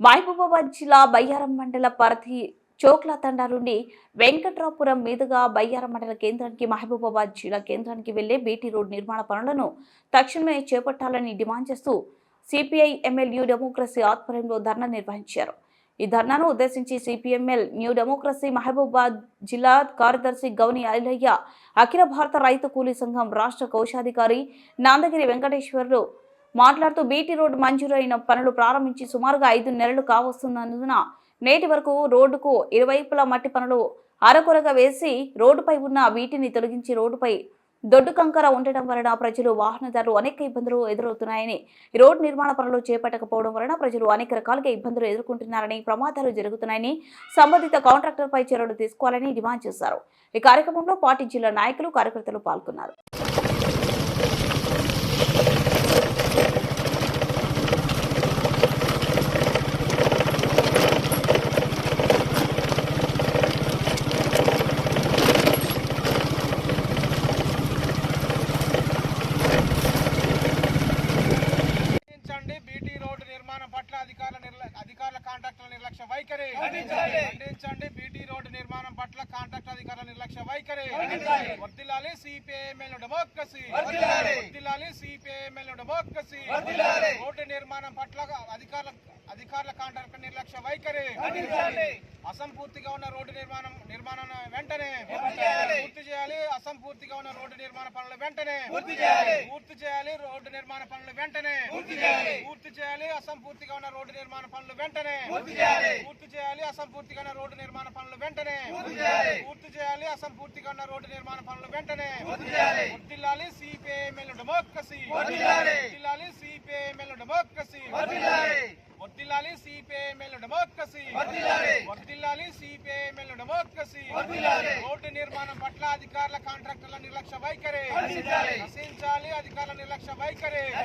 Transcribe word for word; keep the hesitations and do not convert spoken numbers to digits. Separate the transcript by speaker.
Speaker 1: మహబూబాబాద్ జిల్లా బయ్యారం మండల పరిధి చోక్ల తండా నుండి వెంకట్రాపురం మీదుగా బయ్యారం మండల కేంద్రానికి మహబూబాబాద్ జిల్లా కేంద్రానికి వెళ్లే బీటీ రోడ్ నిర్మాణ పనులను తక్షణమే చేపట్టాలని డిమాండ్ చేస్తూ సిపిఐ ఎంఎల్ న్యూ డెమోక్రసీ ఆధ్వర్యంలో ధర్నా నిర్వహించారు. ఈ ధర్నాను ఉద్దేశించి సిపిఎంఎల్ న్యూ డెమోక్రసీ మహబూబాబాద్ జిల్లా కార్యదర్శి గౌని ఐలయ్య, అఖిల భారత రైతు కూలీ సంఘం రాష్ట్ర కోశాధికారి నాందగిరి వెంకటేశ్వర్లు మాట్లాడుతూ బీటీ రోడ్డు మంజూరైన పనులు ప్రారంభించి సుమారుగా ఐదు నెలలు కావస్తున్నందున నేటి వరకు రోడ్డుకు ఇరువైపులా మట్టి పనులు అరకొరగా వేసి రోడ్డుపై ఉన్న వీటిని తొలగించి రోడ్డుపై దొడ్డు కంకర ఉండటం వలన ప్రజలు వాహనదారులు అనేక ఇబ్బందులు ఎదురవుతున్నాయని, ఈ రోడ్డు నిర్మాణ పనులు చేపట్టకపోవడం వలన ప్రజలు అనేక రకాలుగా ఇబ్బందులు ఎదుర్కొంటున్నారని, ప్రమాదాలు జరుగుతున్నాయని, సంబంధిత కాంట్రాక్టర్పై చర్యలు తీసుకోవాలని డిమాండ్ చేశారు. ఈ కార్యక్రమంలో పార్టీ జిల్లా నాయకులు, కార్యకర్తలు పాల్గొన్నారు.
Speaker 2: అధికారుల కాంట్రాక్టుల నిర్లక్ష్య వైఖరి ఖండించండి. బీటీ రోడ్డు నిర్మాణం పట్ల కాంట్రాక్ట్ అధికారుల నిర్లక్ష్య వైఖరి వర్ధిల్లాలి. సిపిఐఎంఎల్ డెమోక్రసీ వర్ధిల్లాలి. సిపిఐఎంఎల్ డెమోక్రసీ రోడ్డు నిర్మాణం పట్ల అధికారుల అధికారుల కాంట్రాక్ట్ నిర్లక్ష్య వైఖరి అసంపూర్తిగా ఉన్న రోడ్డు నిర్మాణం నిర్మాణం వెంటనే పూర్తి చేయాలి. అసంపూర్తిగా ఉన్న రోడ్డు నిర్మాణ పనులు వెంటనే పూర్తి చేయాలి. రోడ్డు నిర్మాణ పనులు వెంటనే పూర్తి చేయాలి. అసంపూర్తిగా ఉన్న రోడ్డు నిర్మాణ పనులు వెంటనే పూర్తి చేయాలి. అసంపూర్తిగా ఉన్న రోడ్డు నిర్మాణ పనులు వెంటనే పూర్తి చేయాలి. అసంపూర్తిగా ఉన్న రోడ్డు నిర్మాణ పనులు వెంటనే వర్ధిల్లాలి. సిపిఐఎంఎల్ డెమోక్రసీ వర్ధిల్లాలి. సిపిఐఎంఎల్ డెమోక్రసీ వర్ధిల్లాలి. సిపిఐఎంఎల్ డెమోక్రసీ వర్ధిల్లాలి. సిపిఐఎంఎల్ డెమోక్రసీ రోడ్డు నిర్మాణం పట్ల అధికారుల కాంట్రాక్టర్ల నిర్లక్ష్య వైఖరి నశించాలి. అధికారుల నిర్లక్ష్య వైఖరి